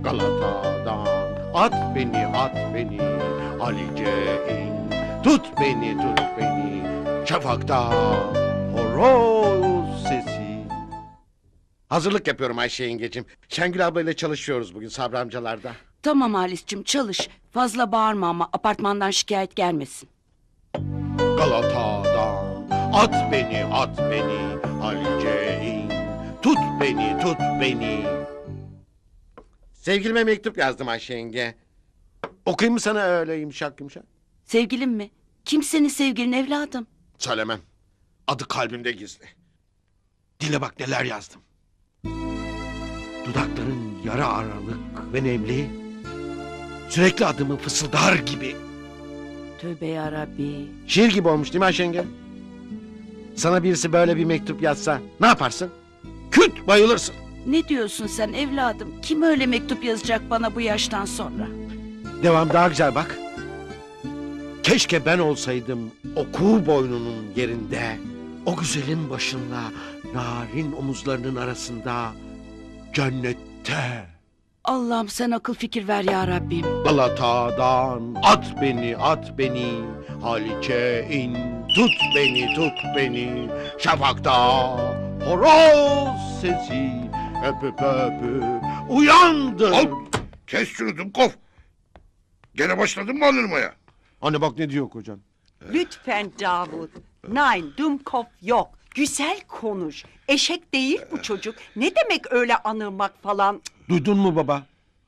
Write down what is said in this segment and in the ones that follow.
Galata'dan at beni Halice in. Tut beni şafakta horoz sesi. Hazırlık yapıyorum Ayşe yengecim. Şengül ablayla çalışıyoruz bugün Sabri amcalarda. Tamam Halis'cim çalış. Fazla bağırma ama apartmandan şikayet gelmesin. Galata'dan at beni Halice in. Tut beni. Sevgilime mektup yazdım Ayşe yenge. Okuyayım mı sana öyle yumuşak yumuşak? Sevgilim mi? Kim senin sevgilin evladım? Söylemem. Adı kalbimde gizli. Dile bak neler yazdım. Dudakların yara aralık ve nemli. Sürekli adımı fısıldar gibi. Tövbe yarabbi. Şiir gibi olmuş değil mi Ayşe yenge? Sana birisi böyle bir mektup yazsa ne yaparsın? Küt bayılırsın. Ne diyorsun sen evladım? Kim öyle mektup yazacak bana bu yaştan sonra? Devam daha güzel bak. Keşke ben olsaydım o kuğu boynunun yerinde. O güzelin başında, narin omuzlarının arasında, cennette. Allah'ım sen akıl fikir ver ya Rabbim. Galata'dan at beni Halice in. Tut beni şafakta horoz sesi. Öpüp uyandım. Al! Kes şunu Dumkov! Gene başladın mı anırmaya? Anne bak ne diyor kocan. Lütfen Davut. Nein, Dumkov yok. Güzel konuş. Eşek değil bu çocuk. Ne demek öyle anırmak falan? Duydun mu baba?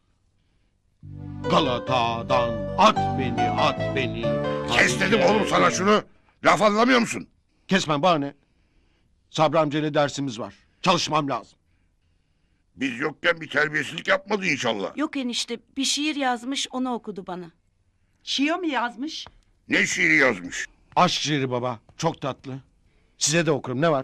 Galata'dan at beni. Kes dedim oğlum sana şunu. Laf anlamıyor musun? Kesmem bana ne? Sabri amcayla dersimiz var. Çalışmam lazım. Biz yokken bir terbiyesizlik yapmadı inşallah. Yok enişte bir şiir yazmış onu okudu bana. Şiir mi yazmış? Ne şiiri yazmış? Aşk şiiri baba. Çok tatlı. Size de okurum. Ne var?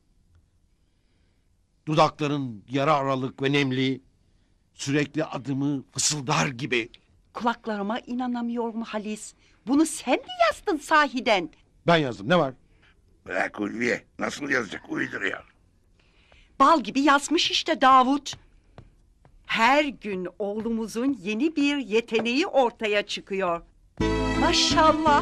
Dudakların yara aralık ve nemli. Sürekli adımı fısıldar gibi. Kulaklarıma inanamıyorum Halis. Bunu sen mi yazdın sahiden? Ben yazdım. Ne var? Bırak Ulviye. Nasıl yazacak uyduruyor. Bal gibi yazmış işte Davut. Her gün oğlumuzun yeni bir yeteneği ortaya çıkıyor. Maşallah.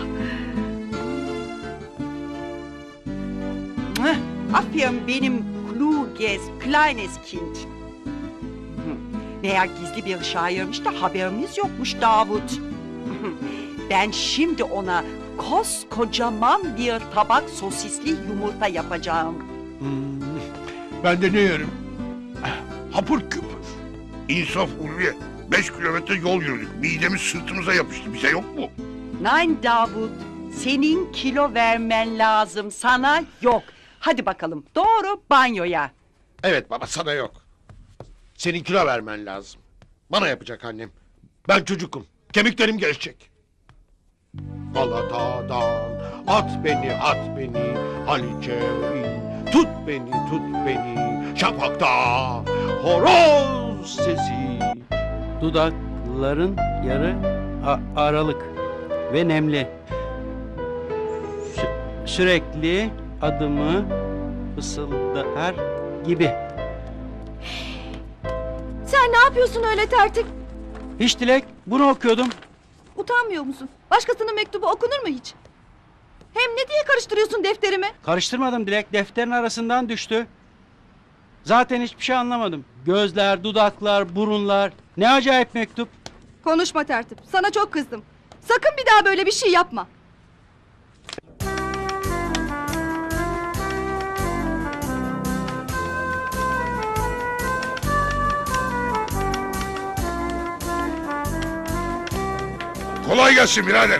Mwah! Aferin benim kluges, kleines Kind. Meğer gizli bir şairmiş de haberimiz yokmuş Davut. Ben şimdi ona koskocaman bir tabak sosisli yumurta yapacağım. Ben de ne yerim? Hapur küpür. İnsaf Ulviye. 5 kilometre yol yürüdük. Midemiz sırtımıza yapıştı. Bize yok mu? Nein Davut, senin kilo vermen lazım, sana yok. Hadi bakalım, doğru banyoya. Evet baba sana yok. Senin kilo vermen lazım. Bana yapacak annem. Ben çocukum. Kemiklerim gelişecek. Galata'dan at beni Halice in. Tut beni şafakta horoz sesi. Dudakların yarı aralık ve nemli. Sürekli adımı fısıldar gibi. Sen ne yapıyorsun öyle tertip? Hiç Dilek, bunu okuyordum. Utanmıyor musun? Başkasının mektubu okunur mu hiç? Hem ne diye karıştırıyorsun defterimi? Karıştırmadım Dilek, defterin arasından düştü. Zaten hiçbir şey anlamadım. Gözler, dudaklar, burunlar. Ne acayip mektup. Konuşma tertip. Sana çok kızdım. Sakın bir daha böyle bir şey yapma. Kolay gelsin birader.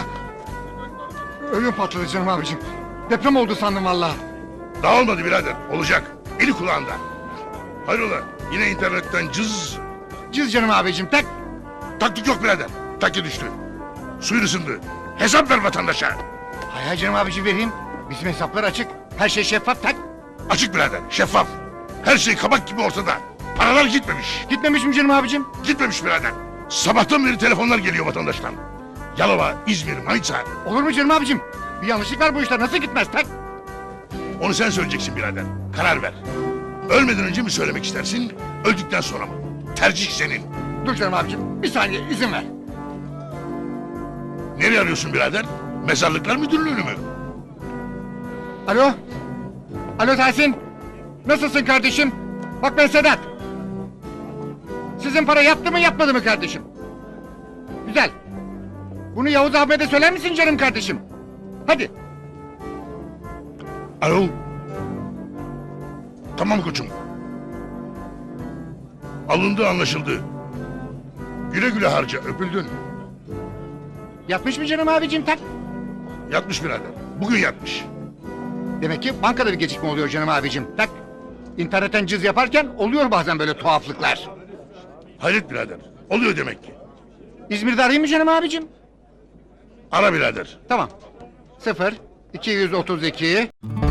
Ödüm patladı canım abicim. Deprem oldu sandım vallahi. Dağılmadı birader. Olacak. Eli kulağında. Hayrola? Yine internetten cız. Cız canım abicim tek. Taktik yok birader. Takki düştü. Suyun ısındı. Hesap ver vatandaşa. Hay canım abicim vereyim. Bizim hesaplar açık. Her şey şeffaf tek. Açık birader. Şeffaf. Her şey kabak gibi ortada. Paralar gitmemiş. Gitmemiş mi canım abicim? Gitmemiş birader. Sabahtan beri telefonlar geliyor vatandaştan. Yalova, İzmir, Manisa. Olur mu canım abicim? Bir yanlışlık var bu işler nasıl gitmez tek? Onu sen söyleyeceksin birader. Karar ver. Ölmeden önce mi söylemek istersin, öldükten sonra mı? Tercih senin. Dur canım abicim bir saniye izin ver. Nereye arıyorsun birader? Mezarlıklar müdürlüğünü mü? Alo. Alo Tahsin. Nasılsın kardeşim? Bak ben Sedat. Sizin para yaptı mı yapmadı mı kardeşim? Güzel. Bunu Yavuz Ahmet'e söyler misin canım kardeşim? Hadi. Alo. Tamam koçum. Alındı anlaşıldı. Güle güle harca öpüldün. Yatmış mı canım abicim tak? Yatmış birader. Bugün yatmış. Demek ki bankada bir gecikme oluyor canım abicim. Tak. İnternetten cız yaparken oluyor bazen böyle tuhaflıklar. Hayret birader. Oluyor demek ki. İzmir'de arayayım mı canım abicim? Ara birader. Tamam. 0 232